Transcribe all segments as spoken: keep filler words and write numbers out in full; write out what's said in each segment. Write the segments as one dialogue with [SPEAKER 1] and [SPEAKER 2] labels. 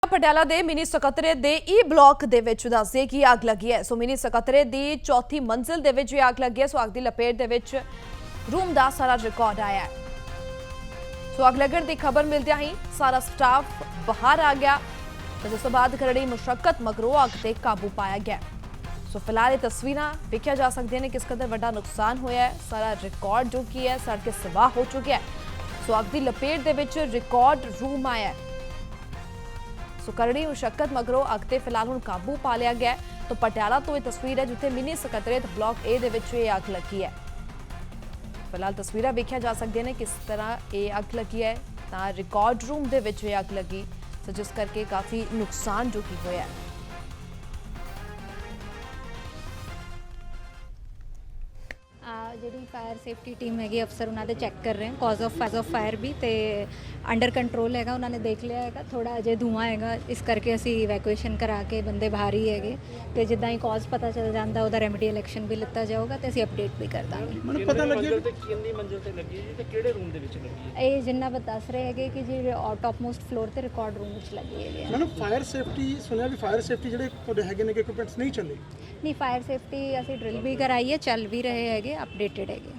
[SPEAKER 1] ਪਟਿਆਲਾ ਦੇ ਮਿਨੀ ਸਕੱਤਰੇਤ ਦੇ ਈ ਬਲਾਕ ਦੇ ਵਿੱਚ ਦੱਸਦੇ ਕਿ ਅੱਗ ਲੱਗੀ ਹੈ। ਸੋ ਮਿਨੀ ਸਕੱਤਰੇਤ ਦੀ ਚੌਥੀ ਮੰਜ਼ਿਲ ਦੇ ਵਿੱਚ ਇਹ ਅੱਗ ਲੱਗੀ ਹੈ। ਸੋ ਅੱਗ ਦੀ ਲਪੇਟ ਦੇ ਵਿੱਚ ਰੂਮ ਦਾ ਸਾਰਾ ਰਿਕਾਰਡ ਆਇਆ ਹੈ। ਸੋ ਅੱਗ ਲੱਗਣ ਦੀ ਖਬਰ ਮਿਲਦਿਆਂ ਹੀ ਸਾਰਾ ਸਟਾਫ ਬਾਹਰ ਆ ਗਿਆ ਤੇ ਉਸ ਤੋਂ ਬਾਅਦ ਕਰੜੀ ਮੁਸ਼ੱਕਤ ਮਗਰੋਂ ਅੱਗ ਤੇ ਕਾਬੂ ਪਾਇਆ ਗਿਆ। ਸੋ ਫਿਲਹਾਲ ਇਹ ਤਸਵੀਰਾਂ ਵੇਖਿਆ ਜਾ ਸਕਦੀਆਂ ਨੇ ਕਿਸ ਕਦਰ ਵੱਡਾ ਨੁਕਸਾਨ ਹੋਇਆ ਹੈ। ਸਾਰਾ ਰਿਕਾਰਡ ਜੋ ਕੀ ਹੈ ਸੜ ਕੇ ਸਵਾਹ ਹੋ ਚੁੱਕਿਆ ਹੈ। ਸੋ ਅੱਗ ਦੀ ਲਪੇਟ ਦੇ ਵਿੱਚ ਰਿਕਾਰਡ ਰੂਮ ਆਇਆ ਹੈ। ਸੋ ਕਰੜੀ ਮੁਸ਼ੱਕਤ ਮਗਰੋਂ ਅੱਗ ਤੇ ਫਿਲਹਾਲ ਹੁਣ ਕਾਬੂ ਪਾ ਲਿਆ ਗਿਆ। ਤਾਂ ਪਟਿਆਲਾ ਤੋਂ ਇਹ ਤਸਵੀਰ ਹੈ ਜਿੱਥੇ ਮਿਨੀ ਸਕੱਤਰੇਤ ਬਲਾਕ ਏ ਦੇ ਵਿੱਚ ਇਹ ਅੱਗ ਲੱਗੀ ਹੈ। ਫਿਲਹਾਲ ਤਸਵੀਰਾਂ ਵੇਖਿਆ ਜਾ ਸਕਦੀਆਂ ਨੇ ਕਿਸ ਤਰ੍ਹਾਂ ਇਹ ਅੱਗ ਲੱਗੀ ਹੈ। ਤਾਂ ਰਿਕਾਰਡ ਰੂਮ ਦੇ ਵਿੱਚ ਇਹ ਅੱਗ ਲੱਗੀ ਸੋ ਜਿਸ ਕਰਕੇ ਕਾਫੀ ਨੁਕਸਾਨ ਜੋ ਕੀ ਹੋਇਆ ਹੈ।
[SPEAKER 2] ਜਿਹੜੀ ਫਾਇਰ ਸੇਫਟੀ ਟੀਮ ਹੈਗੀ ਅਫਸਰ ਉਹਨਾਂ ਦੇ ਚੈੱਕ ਕਰ ਰਹੇ ਹਨ ਕਾਜ਼ ਆਫ ਫਾਜ਼ ਆਫ ਫਾਇਰ ਵੀ ਤੇ ਅੰਡਰ ਕੰਟਰੋਲ ਹੈਗਾ। ਉਹਨਾਂ ਨੇ ਦੇਖ ਲਿਆ ਹੈਗਾ ਥੋੜਾ ਅਜੇ ਧੂਆਂ ਹੈਗਾ ਇਸ ਕਰਕੇ ਅਸੀਂ ਇਵੈਕੂਏਸ਼ਨ ਕਰਾ ਕੇ ਬੰਦੇ ਬਾਹਰ ਹੀ ਹੈਗੇ ਤੇ ਜਿੱਦਾਂ ਹੀ ਕਾਜ਼ ਪਤਾ ਚੱਲ ਜਾਂਦਾ ਉਹਦਾ ਰੈਮੀਡੀਅਲ ਐਕਸ਼ਨ ਵੀ ਲਿੱਤਾ ਜਾਊਗਾ ਤੇ ਅਸੀਂ ਅਪਡੇਟ ਵੀ ਕਰ ਦਾਂਗੇ।
[SPEAKER 3] ਮੈਨੂੰ ਪਤਾ ਲੱਗਿਆ ਕਿ ਕਿੰਨੀ ਮੰਜ਼ਿਲ ਤੇ ਲੱਗੀ ਹੈ ਜੀ ਤੇ ਕਿਹੜੇ ਰੂਮ ਦੇ ਵਿੱਚ ਲੱਗੀ ਹੈ?
[SPEAKER 2] ਇਹ ਜਿੰਨਾ ਦੱਸ ਰਹੇ ਹੈਗੇ ਕਿ ਜੀ ਟੌਪ ਮੋਸਟ ਫਲੋਰ ਤੇ ਰਿਕਾਰਡ ਰੂਮ ਵਿੱਚ ਲੱਗੀ ਹੈਗੀ।
[SPEAKER 3] ਮੈਨੂੰ ਫਾਇਰ ਸੇਫਟੀ ਸੁਣਿਆ ਵੀ ਫਾਇਰ ਸੇਫਟੀ ਜਿਹੜੇ ਤੁਹਾਡੇ ਹੈਗੇ ਨੇ ਕਿ ਇਕਵਿਪਮੈਂਟਸ ਨਹੀਂ ਚੱਲੇ।
[SPEAKER 2] ਨਹੀਂ ਫਾਇਰ ਸੇਫਟੀ ਅਸੀਂ ਡਰਿਲ ਵੀ ਕਰਾਈ ਹੈ ਚੱਲ ਵੀ ਰਹੇ ਹੈਗੇ ਅਪਡੇਟਡ ਹੈਗੇ।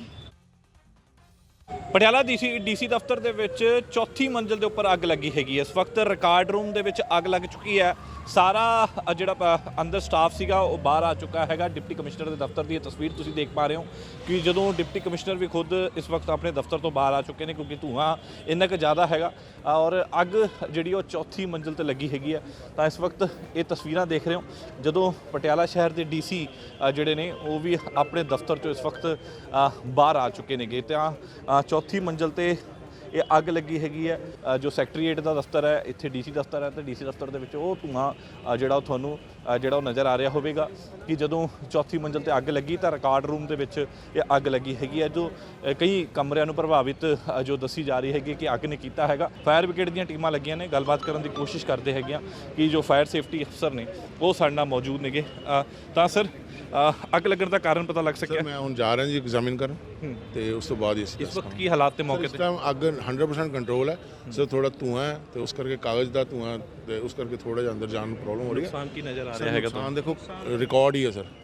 [SPEAKER 4] ਪਟਿਆਲਾ ਡੀਸੀ ਡੀਸੀ ਦਫ਼ਤਰ ਦੇ ਵਿੱਚ ਚੌਥੀ ਮੰਜ਼ਿਲ ਦੇ ਉੱਪਰ ਅੱਗ ਲੱਗੀ ਹੈਗੀ। ਇਸ ਵਕਤ ਰਿਕਾਰਡ ਰੂਮ ਦੇ ਵਿੱਚ ਅੱਗ ਲੱਗ ਚੁੱਕੀ ਹੈ। ਸਾਰਾ ਜਿਹੜਾ ਅੰਦਰ ਸਟਾਫ ਸੀਗਾ ਉਹ ਬਾਹਰ ਆ ਚੁੱਕਾ ਹੈਗਾ। ਡਿਪਟੀ ਕਮਿਸ਼ਨਰ ਦੇ ਦਫ਼ਤਰ ਦੀ ਇਹ ਤਸਵੀਰ ਤੁਸੀਂ ਦੇਖ ਪਾ ਰਹੇ ਹੋ ਕਿ ਜਦੋਂ ਡਿਪਟੀ ਕਮਿਸ਼ਨਰ ਵੀ ਖੁਦ ਇਸ ਵਕਤ ਆਪਣੇ ਦਫ਼ਤਰ ਤੋਂ ਬਾਹਰ ਆ ਚੁੱਕੇ ਨੇ ਕਿਉਂਕਿ ਧੂਆਂ ਇੰਨਾ ਕੁ ਜ਼ਿਆਦਾ ਹੈਗਾ ਔਰ ਅੱਗ ਜਿਹੜੀ ਉਹ ਚੌਥੀ ਮੰਜ਼ਿਲ ਤੇ ਲੱਗੀ ਹੈਗੀ ਹੈ। ਤਾਂ ਇਸ ਵਕਤ ਇਹ ਤਸਵੀਰਾਂ ਦੇਖ ਰਹੇ ਹੋ ਜਦੋਂ ਪਟਿਆਲਾ ਸ਼ਹਿਰ ਦੇ ਡੀਸੀ ਜਿਹੜੇ ਨੇ ਉਹ ਵੀ ਆਪਣੇ ਦਫ਼ਤਰ ਚੋਂ ਇਸ ਵਕਤ ਬਾਹਰ ਆ ਚੁੱਕੇ ਨੇਗੇ। ਤਾਂ ਚੌਥੀ ਮੰਜ਼ਿਲ ਤੇ ਇਹ ਅੱਗ ਲੱਗੀ ਹੈਗੀ ਹੈ। ਜੋ ਸੈਕਟਰੀਏਟ ਦਾ ਦਫ਼ਤਰ ਹੈ ਇੱਥੇ ਡੀਸੀ ਦਫ਼ਤਰ ਹੈ ਤੇ ਡੀਸੀ ਦਫ਼ਤਰ ਦੇ ਵਿੱਚ ਉਹ ਧੂਆਂ ਜਿਹੜਾ ਉਹ ਤੁਹਾਨੂੰ ਜਿਹੜਾ ਉਹ ਨਜ਼ਰ ਆ ਰਿਹਾ ਹੋਵੇਗਾ ਕਿ ਜਦੋਂ ਚੌਥੀ ਮੰਜ਼ਿਲ ਤੇ ਅੱਗ ਲੱਗੀ ਤਾਂ ਰਿਕਾਰਡ ਰੂਮ ਦੇ ਵਿੱਚ ਇਹ ਅੱਗ ਲੱਗੀ ਹੈਗੀ ਹੈ ਜੋ ਕਈ ਕਮਰਿਆਂ ਨੂੰ ਪ੍ਰਭਾਵਿਤ ਜੋ ਦੱਸੀ ਜਾ ਰਹੀ ਹੈਗੀ ਕਿ ਅੱਗ ਨੇ ਕੀਤਾ ਹੈਗਾ। ਫਾਇਰ ਬ੍ਰਿਗੇਡ ਦੀਆਂ ਟੀਮਾਂ ਲੱਗੀਆਂ ਨੇ ਗੱਲਬਾਤ ਕਰਨ ਦੀ ਕੋਸ਼ਿਸ਼ ਕਰਦੇ ਹੈਗੀਆਂ ਕਿ ਜੋ ਫਾਇਰ ਸੇਫਟੀ ਅਫਸਰ ਨੇ ਉਹ ਸਾਡੇ ਨਾਲ ਮੌਜੂਦ ਨੇਗੇ। ਤਾਂ ਸਰ ਅੱਗ ਲੱਗਣ ਦਾ ਕਾਰਨ ਪਤਾ ਲੱਗ ਸਕਿਆ?
[SPEAKER 5] ਮੈਂ ਹੁਣ ਜਾ ਰਿਹਾ ਜੀ ਐਗਜ਼ਾਮਿਨ ਕਰਨ ਤੇ ਉਸ ਤੋਂ ਬਾਅਦ ਇਸ
[SPEAKER 4] ਇਸ ਵਕਤ ਕੀ ਹਾਲਾਤ ਤੇ ਮੌਕੇ
[SPEAKER 5] ਤੇ? ਇਸ ਟਾਈਮ ਅੱਗ ਹੰਡਰਡ ਪਰਸੈਂਟ ਕੰਟਰੋਲ ਹੈ। ਸਿਰਫ ਥੋੜਾ ਧੂਆਂ ਹੈ ਤੇ ਉਸ ਕਰਕੇ ਕਾਗਜ਼ ਦਾ ਧੂਆਂ ਤੇ ਉਸ ਕਰਕੇ ਥੋੜਾ ਜਿਹਾ ਅੰਦਰ ਜਾਣ ਨੂੰ ਪ੍ਰੋਬਲਮ ਹੋ ਰਹੀ ਹੈ।
[SPEAKER 4] ਨੁਕਸਾਨ ਕੀ ਨਜ਼ਰ ਆ ਰਿਹਾ ਹੈਗਾ?
[SPEAKER 5] ਨੁਕਸਾਨ ਦੇਖੋ ਰਿਕਾਰਡ ਹੀ ਹੈ ਸਰ।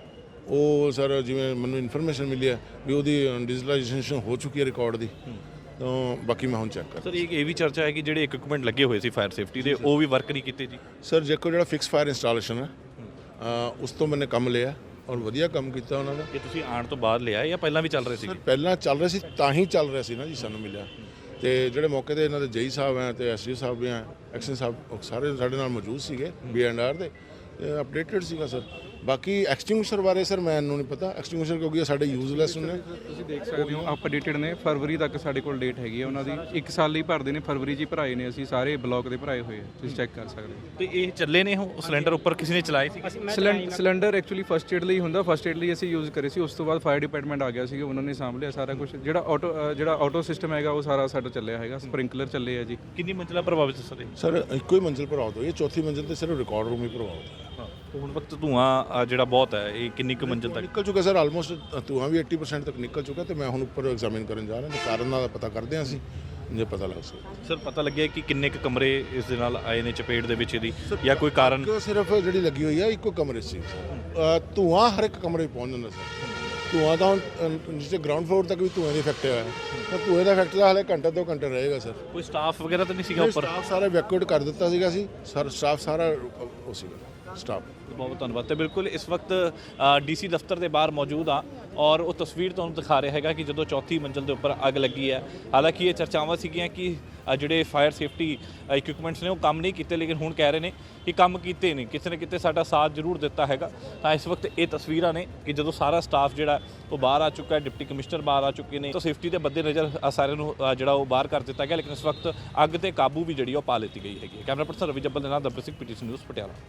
[SPEAKER 5] ਉਹ ਸਰ ਜਿਵੇਂ ਮੈਨੂੰ ਇਨਫੋਰਮੇਸ਼ਨ ਮਿਲੀ ਹੈ ਵੀ ਉਹਦੀ ਡਿਜੀਟਲਾਈਜੇਸ਼ਨ ਹੋ ਚੁੱਕੀ ਹੈ ਰਿਕਾਰਡ ਦੀ। ਤਾਂ ਬਾਕੀ ਮੈਂ ਹੁਣ ਚੈੱਕ ਕਰ
[SPEAKER 4] ਸਰ ਇਹ ਵੀ ਚਰਚਾ ਹੈ ਕਿ ਜਿਹੜੇ ਇਕਵਿਪਮੈਂਟ ਲੱਗੇ ਹੋਏ ਸੀ ਫਾਇਰ ਸੇਫਟੀ ਦੇ ਉਹ ਵੀ ਵਰਕ ਨਹੀਂ ਕੀਤੇ ਜੀ?
[SPEAKER 5] ਸਰ ਜੇਕੋ ਜਿਹੜਾ ਫਿਕਸ ਫਾਇਰ ਇੰਸਟਾਲੇਸ਼ਨ ਹੈ ਉਸ ਤੋਂ ਮੈंने ਕੰਮ ਲਿਆ ਔਰ ਵਧੀਆ ਕੰਮ ਕੀਤਾ ਉਹਨਾਂ ਦਾ।
[SPEAKER 4] ਇਹ ਤੁਸੀਂ ਆਉਣ ਤੋਂ ਬਾਅਦ ਲਿਆ ਜਾਂ ਪਹਿਲਾਂ ਵੀ ਚੱਲ ਰਹੇ ਸੀ?
[SPEAKER 5] ਸਰ ਪਹਿਲਾਂ ਚੱਲ ਰਿਹਾ ਸੀ ਤਾਂ ਹੀ ਚੱਲ ਰਿਹਾ ਸੀ ਨਾ ਜੀ ਸਾਨੂੰ ਮਿਲਿਆ। ਤੇ ਜਿਹੜੇ ਮੌਕੇ ਤੇ ਇਹਨਾਂ ਦੇ ਜੇਈ ਸਾਹਿਬ ਹੈ ਤੇ ਐਸਡੀ ਸਾਹਿਬ ਵੀ ਹੈ ਐਕਸ਼ਨ ਸਾਹਿਬ ਸਾਰੇ ਸਾਡੇ ਨਾਲ ਮੌਜੂਦ ਸੀਗੇ ਬੀ ਐਂਡ ਆਰ ਦੇ ਅਪਡੇਟਡ ਸੀਗਾ ਸਰ। ਬਾਕੀ ਐਕਸਟਿੰਗੁਇਸ਼ਰ ਬਾਰੇ ਸਰ ਮੈਨੂੰ ਨਹੀਂ ਪਤਾ ਐਕਸਟਿੰਗੁਇਸ਼ਰ ਕਿਉਂਕਿ ਸਾਡੇ ਯੂਜ਼ਲੈਸ ਨੇ।
[SPEAKER 6] ਤੁਸੀਂ ਦੇਖ ਸਕਦੇ ਹੋ ਅਪਡੇਟਡ ਨੇ ਫਰਵਰੀ ਤੱਕ ਸਾਡੇ ਕੋਲ ਡੇਟ ਹੈਗੀ ਹੈ ਉਹਨਾਂ ਦੀ। ਇੱਕ ਸਾਲ ਲਈ ਭਰਦੇ ਨੇ ਫਰਵਰੀ 'ਚ ਹੀ ਭਰਾਏ ਨੇ ਅਸੀਂ ਸਾਰੇ ਬਲਾਕ ਦੇ ਭਰਾਏ ਹੋਏ ਆ ਤੁਸੀਂ ਚੈੱਕ ਕਰ ਸਕਦੇ ਹੋ।
[SPEAKER 4] ਤੇ ਇਹ ਚੱਲੇ ਨੇ ਉਹ ਸਿਲੰਡਰ ਉੱਪਰ ਕਿਸੇ ਨੇ ਚਲਾਏ ਸੀ?
[SPEAKER 6] ਸਿਲੰਡਰ ਐਕਚੁਅਲੀ ਫਸਟ ਏਡ ਲਈ ਹੁੰਦਾ ਫਸਟ ਏਡ ਲਈ ਅਸੀਂ ਯੂਜ਼ ਕਰੇ ਸੀ। ਉਸ ਤੋਂ ਬਾਅਦ ਫਾਇਰ ਡਿਪਾਰਟਮੈਂਟ ਆ ਗਿਆ ਸੀਗਾ ਉਹਨਾਂ ਨੇ ਸਾਂਭ ਲਿਆ ਸਾਰਾ ਕੁਝ। ਜਿਹੜਾ ਆਟੋ ਜਿਹੜਾ ਆਟੋ ਸਿਸਟਮ ਹੈਗਾ ਉਹ ਸਾਰਾ ਸਾਡਾ ਚੱਲਿਆ ਹੈਗਾ ਸਪ੍ਰਿੰਕਲਰ ਚੱਲੇ ਆ ਜੀ।
[SPEAKER 4] ਕਿੰਨੀ ਮੰਜ਼ਿਲਾ ਪ੍ਰਭਾਵਿਤ ਸਰ?
[SPEAKER 5] ਸਰ ਇੱਕੋ ਹੀ ਮੰਜ਼ਿਲ ਪ੍ਰਭਾਵਿਤ ਹੋਈ ਹੈ ਚੌਥੀ ਮੰਜ਼ਿਲ ਤੇ ਸਿਰਫ ਰਿਕਾਰਡ ਰੂਮ ਹੀ ਪ੍ਰਭਾਵਿਤ ਹੈ।
[SPEAKER 4] ਹੁਣ ਵਕਤ ਧੂਆਂ ਜਿਹੜਾ ਬਹੁਤ ਹੈ ਇਹ ਕਿੰਨੀ ਕੁ ਮੰਜ਼ਿਲ ਤੱਕ
[SPEAKER 5] ਨਿਕਲ ਚੁੱਕਾ ਸਰ ਆਲਮੋਸਟ ਧੂਆਂ ਵੀ ਅੱਸੀ ਪਰਸੈਂਟ ਤੱਕ ਨਿਕਲ ਚੁੱਕਾ ਤੇ ਮੈਂ ਹੁਣ ਉੱਪਰ ਐਗਜ਼ਾਮਿਨ ਕਰਨ ਜਾ ਰਿਹਾ ਕਾਰਨ ਦਾ ਪਤਾ ਕਰਦੇ ਹਾਂ ਅਸੀਂ ਜੇ ਪਤਾ ਲੱਗ ਸਕਦਾ।
[SPEAKER 4] ਸਰ ਪਤਾ ਲੱਗਿਆ ਕਿ ਕਿੰਨੇ ਕੁ ਕਮਰੇ ਇਸ ਦੇ ਨਾਲ ਆਏ ਨੇ ਚਪੇਟ ਦੇ ਵਿੱਚ ਇਹਦੀ ਜਾਂ ਕੋਈ ਕਾਰਨ?
[SPEAKER 5] ਸਿਰਫ ਜਿਹੜੀ ਲੱਗੀ ਹੋਈ ਹੈ ਇੱਕੋ ਕਮਰੇ ਸੀ। ਧੂਆਂ ਹਰ ਇੱਕ ਕਮਰੇ ਪਹੁੰਚ ਜਾਂਦਾ ਸਰ। ਧੂਆਂ ਤਾਂ ਜਿੱਥੇ ਗਰਾਊਂਡ ਫਲੋਰ ਤੱਕ ਵੀ ਧੂਆਂ ਦੀ ਇਫੈਕਟ ਹੋਇਆ ਤਾਂ ਧੂਏ ਦਾ ਇਫੈਕਟ ਤਾਂ ਹਾਲੇ ਘੰਟੇ ਦੋ ਘੰਟੇ ਰਹੇਗਾ ਸਰ।
[SPEAKER 4] ਕੋਈ ਸਟਾਫ ਵਗੈਰਾ ਤਾਂ ਨਹੀਂ ਸੀਗਾ ਉੱਪਰ?
[SPEAKER 5] ਸਟਾਫ ਸਾਰਾ ਇਵੈਕੂਏਟ ਕਰ ਦਿੱਤਾ ਸੀਗਾ ਸੀ ਸਰ। ਸਟਾਫ ਸਾਰਾ ਉਹ ਸੀਗਾ ਸਟਾਫ।
[SPEAKER 4] ਬਹੁਤ ਧੰਨਵਾਦ। ਤੇ ਬਿਲਕੁਲ ਇਸ ਵਕਤ ਡੀਸੀ ਦਫ਼ਤਰ ਦੇ ਬਾਹਰ ਮੌਜੂਦ ਆ ਔਰ ਉਹ ਤਸਵੀਰ ਤੁਹਾਨੂੰ ਦਿਖਾ ਰਿਹਾ ਹੈਗਾ ਕਿ ਜਦੋਂ ਚੌਥੀ ਮੰਜ਼ਿਲ ਦੇ ਉੱਪਰ ਅੱਗ ਲੱਗੀ ਹੈ। ਹਾਲਾਂਕਿ ਇਹ ਚਰਚਾਵਾਂ ਸੀਗੀਆਂ ਕਿ ਜਿਹੜੇ ਫਾਇਰ ਸੇਫਟੀ ਇਕਵਿਪਮੈਂਟਸ ਨੇ ਉਹ ਕੰਮ ਨਹੀਂ ਕੀਤੇ ਲੇਕਿਨ ਹੁਣ ਕਹਿ ਰਹੇ ਨੇ ਕਿ ਕੰਮ ਕੀਤੇ ਨੇ ਕਿਸੇ ਨਾ ਕਿਤੇ ਸਾਡਾ ਸਾਥ ਜ਼ਰੂਰ ਦਿੱਤਾ ਹੈਗਾ। ਤਾਂ ਇਸ ਵਕਤ ਇਹ ਤਸਵੀਰਾਂ ਨੇ ਕਿ ਜਦੋਂ ਸਾਰਾ ਸਟਾਫ ਜਿਹੜਾ ਉਹ ਬਾਹਰ ਆ ਚੁੱਕਾ ਹੈ ਡਿਪਟੀ ਕਮਿਸ਼ਨਰ ਬਾਹਰ ਆ ਚੁੱਕੇ ਨੇ ਤਾਂ ਸੇਫਟੀ ਦੇ ਬੱਦੇ ਨਜ਼ਰ ਸਾਰਿਆਂ ਨੂੰ ਜਿਹੜਾ ਉਹ ਬਾਹਰ ਕਰ ਦਿੱਤਾ ਗਿਆ ਲੇਕਿਨ ਇਸ ਵਕਤ ਅੱਗ ਤੇ ਕਾਬੂ ਵੀ ਜਿਹੜੀ ਉਹ ਪਾ ਲਿੱਤੀ ਗਈ ਹੈਗੀ। ਕੈਮਰਾ ਪਰਸਨ ਰਵੀ ਜੱਬਲ ਦੇ ਨਾਲ ਦਬਰ ਸਿੰਘ ਪੀਟੀਸੀ ਨਿਊਜ਼ ਪਟਿਆਲਾ।